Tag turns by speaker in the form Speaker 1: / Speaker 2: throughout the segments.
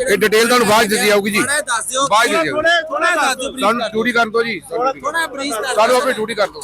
Speaker 1: ਇਹ ਡਿਟੇਲ ਤੁਹਾਨੂੰ ਬਾਅਦ ਦਿੱਤੀ ਜਾਊਗੀ ਜੀ,
Speaker 2: ਦੱਸ ਦਿਓ
Speaker 1: ਬਾਅਦ ਦਿੱਤੀ ਜਾਊਗੀ।
Speaker 2: ਥੋੜਾ ਦੱਸ ਦਿਓ
Speaker 1: ਸਾਨੂੰ ਡਿਊਟੀ ਕਰਨ ਤੋਂ ਜੀ,
Speaker 2: ਥੋੜਾ ਬਰੀਫ ਕਰ
Speaker 1: ਸਾਨੂੰ ਆਪਣੀ ਡਿਊਟੀ ਕਰ ਦੋ।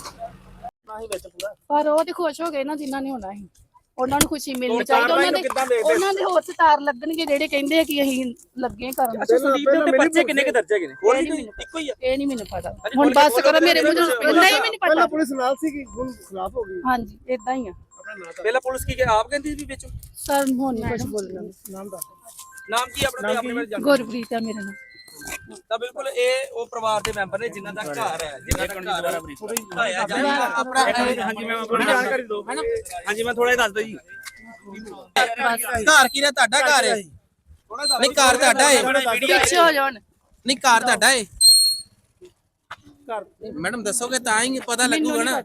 Speaker 3: ਪਰ ਉਹ ਤੇ ਖੁਸ਼ ਹੋ ਗਏ ਨਾ ਜਿਨ੍ਹਾਂ ਨੇ ਹੋਣਾ ਸੀ, ਉਹਨਾਂ ਨੂੰ ਖੁਸ਼ੀ ਮਿਲਣੀ ਚਾਹੀਦੀ। ਉਹਨਾਂ ਦੇ ਹੋਰ ਸਟਾਰ ਲੱਗਣਗੇ ਜਿਹੜੇ ਕਹਿੰਦੇ ਆ ਕਿ ਅਸੀਂ ਲੱਗੇ ਕਰਨ।
Speaker 4: ਸੰਦੀਪ ਦੇ ਪਰਚੇ ਕਿੰਨੇ ਕੁ ਦਰਜ ਹੈਗੇ ਨੇ?
Speaker 3: ਇੱਕੋ ਹੀ ਆ, ਇਹ ਨਹੀਂ ਮੈਨੂੰ ਪਤਾ। ਹੁਣ ਬਸ ਕਰੋ ਮੇਰੇ ਮੂੰਹ ਤੋਂ, ਨਹੀਂ ਮੈਨੂੰ ਪਤਾ।
Speaker 5: ਪੁਲਿਸ ਨਾਲ ਸੀ ਕਿ ਹੁਣ ਖਿਲਾਫ ਹੋ ਗਈ।
Speaker 3: ਹਾਂਜੀ ਇਦਾਂ ਹੀ ਆ।
Speaker 4: ਪਹਿਲਾਂ ਪੁਲਿਸ ਕੀ ਆਪ ਕਹਿੰਦੀ ਸੀ ਵਿੱਚ?
Speaker 3: ਸਰ ਹੁਣ ਨਹੀਂ ਕੁਝ ਬੋਲਣਾ।
Speaker 4: ਨਾਮ ਕੀ ਆਪਣਾ ਤੇ ਆਪਣੇ ਬਾਰੇ ਜਾਣੋ।
Speaker 3: ਗੁਰਪ੍ਰੀਤ ਆ ਮੇਰਾ ਨਾਮ।
Speaker 4: ਤਾਂ ਬਿਲਕੁਲ ਇਹ ਉਹ ਪਰਿਵਾਰ ਦੇ ਮੈਂਬਰ ਨੇ ਜਿਨ੍ਹਾਂ ਦਾ ਘਰ ਹੈ, ਜਿਨ੍ਹਾਂ ਦਾ ਘਰ ਢਾਇਆ ਜਾ ਰਿਹਾ।
Speaker 2: ਆਪਣਾ
Speaker 4: ਹਾਂਜੀ ਮੈਂ ਆਪਣੀ ਜਾਣਕਾਰੀ ਦੋ ਹੈਨਾ। ਹਾਂਜੀ ਮੈਂ ਥੋੜਾ ਦੱਸ ਦੋ ਜੀ।
Speaker 2: ਘਰ ਕੀ ਨੇ? ਤੁਹਾਡਾ ਘਰ ਹੈ? ਨਹੀਂ ਘਰ ਤੁਹਾਡਾ ਹੈ?
Speaker 3: ਪਿੱਛੇ ਹੋ ਜਾਣ।
Speaker 2: ਨਹੀਂ ਘਰ ਤੁਹਾਡਾ ਹੈ? ਮੈਡਮ ਦੱਸੋਗੇ ਤਾਂ ਹੀ ਪਤਾ ਲੱਗੂਗਾ ਨਾ।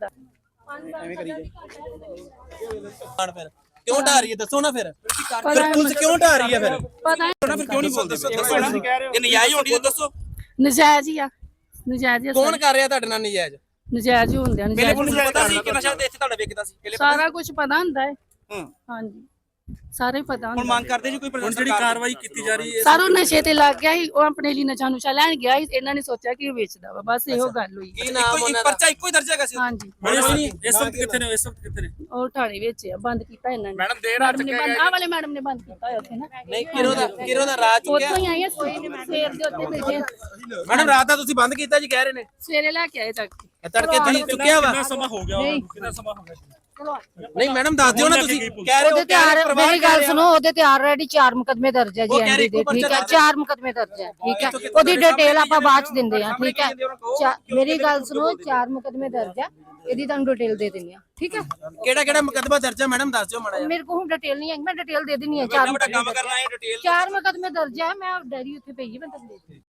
Speaker 2: ਫਿਰ ਕਿਉਂ ਢਾ ਰਹੀ ਹੈ ਦੱਸੋ ਨਾ। ਫਿਰ ਪੁਲਿਸ ਕਿਉਂ ਢਾ ਰਹੀ ਹੈ? ਫਿਰ
Speaker 3: ਪਤਾ
Speaker 2: ਫਿਰ ਕਿਉਂ ਨਹੀਂ ਬੋਲਦੇ? ਦੱਸੋ ਨਾ।
Speaker 4: ਇਹ ਨਜਾਇਜ਼ ਹੋਣੀ ਤਾਂ ਦੱਸੋ।
Speaker 3: ਨਜਾਇਜ਼ ਹੀ ਆ, ਨਜਾਇਜ਼ ਹੀ ਆ।
Speaker 2: ਕੌਣ ਕਰ ਰਿਹਾ ਤੁਹਾਡੇ ਨਾਲ ਨਜਾਇਜ਼?
Speaker 3: ਨਜਾਇਜ਼ ਹੀ ਹੁੰਦੇ ਆ।
Speaker 4: ਪਹਿਲੇ ਪੁਲਿਸ ਨੂੰ ਪਤਾ ਸੀ ਕਿ ਨਸ਼ਾ ਤੇ ਇੱਥੇ ਤੁਹਾਡਾ ਵਿਕਦਾ ਸੀ? ਪਹਿਲੇ
Speaker 3: ਸਾਰਾ ਕੁਝ ਪਤਾ ਹੁੰਦਾ ਹੈ। ਹਾਂਜੀ ਸਾਰੇ ਪਤਾ
Speaker 4: ਹੁਣ
Speaker 3: ਹੁੰਦਾ।
Speaker 4: ਮੰਗ ਕਰਦੇ ਜੀ ਕੋਈ ਪ੍ਰਸ਼ਾਸਨ ਜਿਹੜੀ ਕਾਰਵਾਈ ਕੀਤੀ ਜਾ ਰਹੀ ਹੈ।
Speaker 3: ਸਾਰੋਂ ਨਸ਼ੇ ਤੇ ਲੱਗ ਗਿਆ ਸੀ, ਉਹ ਆਪਣੇ ਲਈ ਨਸ਼ਾ ਨੁਸ਼ਾ ਲੈਣ ਗਿਆ ਸੀ। ਇਹਨਾਂ ਨੇ ਸੋਚਿਆ ਕਿ ਉਹ ਵੇਚਦਾ ਵਾ, ਬਸ ਇਹੋ ਗੱਲ ਹੋਈ।
Speaker 2: ਕੀ ਨਾਮ ਉਹਨਾਂ ਦਾ?
Speaker 4: ਪਰਚਾ ਇੱਕੋ ਹੀ ਦਰਜ ਹੈਗਾ ਸੀ?
Speaker 3: ਹਾਂਜੀ
Speaker 4: ਇਸ ਵਕਤ ਕਿੱਥੇ ਨੇ? ਇਸ ਵਕਤ ਕਿੱਥੇ ਨੇ?
Speaker 3: ਉਹ ਥਾਣੇ ਵਿੱਚ ਆ, ਬੰਦ ਕੀਤਾ ਇਹਨਾਂ ਨੇ।
Speaker 4: ਮੈਡਮ ਦੇਰ
Speaker 3: ਮੈਡਮ ਨੇ ਬੰਦ, ਆਹ ਵਾਲੇ ਮੈਡਮ ਨੇ ਬੰਦ ਕੀਤਾ ਹੋਇਆ ਉੱਥੇ ਨਾ।
Speaker 2: ਨਹੀਂ ਕਿਰੋ ਦਾ ਰਾਤ ਚੁੱਕਿਆ।
Speaker 3: ਉੱਥੋਂ ਹੀ ਆਏ ਆ, ਸਵੇਰ ਦੇ ਉੱਤੇ ਬੈਠੇ।
Speaker 2: ਮੈਡਮ ਰਾਤ ਦਾ ਤੁਸੀਂ ਬੰਦ ਕੀਤਾ ਜੀ ਕਹਿ ਰਹੇ ਨੇ।
Speaker 3: ਸਵੇਰੇ ਲੈ ਕੇ ਆਏ ਤੱਕ।
Speaker 2: ਤੜਕੇ ਤੁਸੀਂ ਚੁੱਕਿਆ ਵਾ?
Speaker 4: ਸਮਾਂ ਹੋ ਗਿਆ ਉਹਨੂੰ, ਕਿੰਨਾ ਸਮਾਂ ਹੋ ਗਿਆ?
Speaker 2: ਨਹੀਂ ਮੈਡਮ ਦੱਸ ਦਿਓ ਨਾ। ਤੁਸੀਂ ਕਹਿ ਰਹੇ ਹੋ
Speaker 6: ਉਹਦੇ ਤੇ ਮੇਰੀ ਗੱਲ ਸੁਣੋ, ਉਹਦੇ ਤੇ ਆਲਰੇਡੀ 4 ਮੁਕਦਮੇ ਦਰਜ ਹੈ ਜੀ ਐਨਡੀ ਦੇ। ਠੀਕ ਹੈ 4 ਮੁਕਦਮੇ ਦਰਜ ਹੈ। ਠੀਕ ਹੈ ਉਹਦੀ ਡਿਟੇਲ ਆਪਾਂ ਬਾਅਦ ਚ ਦਿੰਦੇ ਆ। ਠੀਕ ਹੈ ਮੇਰੀ ਗੱਲ ਸੁਣੋ, 4 ਮੁਕਦਮੇ ਦਰਜ ਹੈ, ਇਹਦੀ ਤੁਹਾਨੂੰ ਡਿਟੇਲ ਦੇ ਦਿੰਦੀ ਆ। ਠੀਕ ਹੈ
Speaker 2: ਕਿਹੜਾ ਮੁਕੱਦਮਾ ਦਰਜ ਹੈ ਮੈਡਮ ਦੱਸ ਦਿਓ ਮਾੜਾ ਜਿਹਾ।
Speaker 6: ਮੇਰੇ ਕੋਲ ਹੁਣ ਡਿਟੇਲ ਨਹੀਂ ਹੈ, ਮੈਂ ਡਿਟੇਲ ਦੇ ਦਿੰਦੀ ਆ। 4
Speaker 4: ਕੰਮ ਕਰਨਾ ਹੈ ਡਿਟੇਲ
Speaker 6: 4 ਮੁਕਦਮੇ ਦਰਜ ਹੈ। ਮੈਂ ਡੈਰੀ ਉੱਥੇ ਪਈ ਹੈ, ਮੈਂ ਤੁਹਾਨੂੰ ਦੇ